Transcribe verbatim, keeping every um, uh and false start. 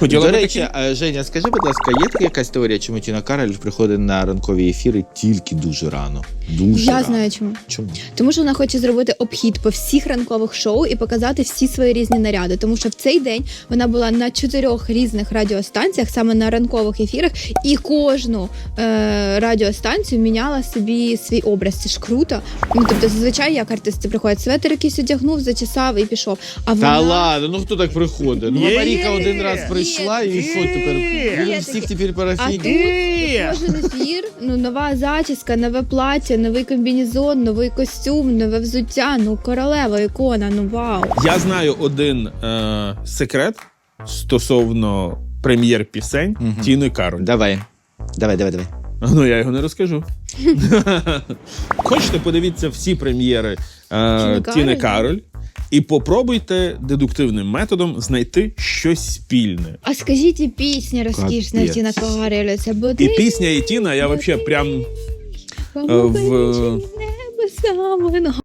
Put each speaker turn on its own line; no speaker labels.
Хотіла
До
би
речі,
такі?
а, Женя, скажи, будь ласка, є така якась теорія, чому Тіна Кароль приходить на ранкові ефіри тільки дуже рано? Дуже
Я
рано.
знаю чому.
Чому?
Тому що вона хоче зробити обхід по всіх ранкових шоу і показати всі свої різні наряди. Тому що в цей день вона була на чотирьох різних радіостанціях, саме на ранкових ефірах, і кожну е- радіостанцію міняла собі свій образ. Це ж круто. Ну, тобто, зазвичай як артисти приходять, светер якийсь одягнув, зачесав і пішов. А
Та
вона...
ладно, ну хто так приходить? Ну,
Є,
Маріка
є,
один
є.
раз прийшла, і
Є.
що тепер? Будемо
Є
всіх
таке.
тепер
А
парафіні.
тут кожен ефір, ну, нова зачіска, нове плаття, новий комбінезон, новий костюм, нове взуття, ну, королева, ікона, ну, вау.
Я знаю один е- секрет стосовно прем'єр-пісень
Мгм.
Тіни Кароль.
Давай. Давай, давай, давай.
Ну, я його не розкажу. Хочете, подивіться всі прем'єри е-
Тіни
Тіни
Кароль?
Кароль і попробуйте дедуктивним методом знайти щось спільне.
А скажіть, і пісня розкішна
Капець.
Тіна Кароль, це буде...
І пісня, і Тіна, я взагалі прям
Кому
е, в-
вирішить небо саме.